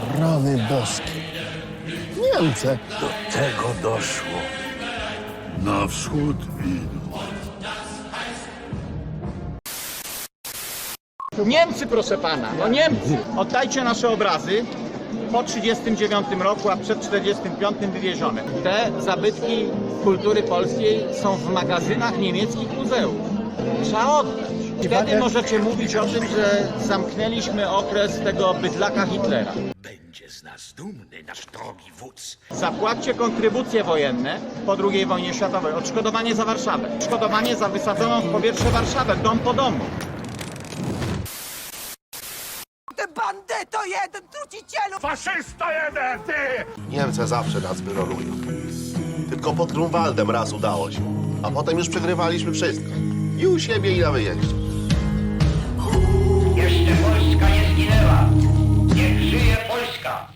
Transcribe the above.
Rany boskie. Niemcy. Do tego doszło. Na wschód idą. Niemcy, proszę pana, no Niemcy. Oddajcie nasze obrazy po 1939 roku, a przed 1945 wywiezione. Te zabytki kultury polskiej są w magazynach niemieckich muzeów. Trzeba oddać. Wtedy możecie mówić o tym, że zamknęliśmy okres tego bydlaka Hitlera. Będzie z nas dumny nasz drogi wódz. Zapłaćcie kontrybucje wojenne po II wojnie światowej, odszkodowanie za Warszawę, odszkodowanie za wysadzoną w powietrze Warszawę, dom po domu. Ty bandyto jeden, trucicielu! Faszysto jeden, ty! Niemcy zawsze nas wyrolują. Tylko pod Grunwaldem raz udało się. A potem już przegrywaliśmy wszystko. I u siebie, i na wyjeździe. Jeszcze Polska nie zginęła.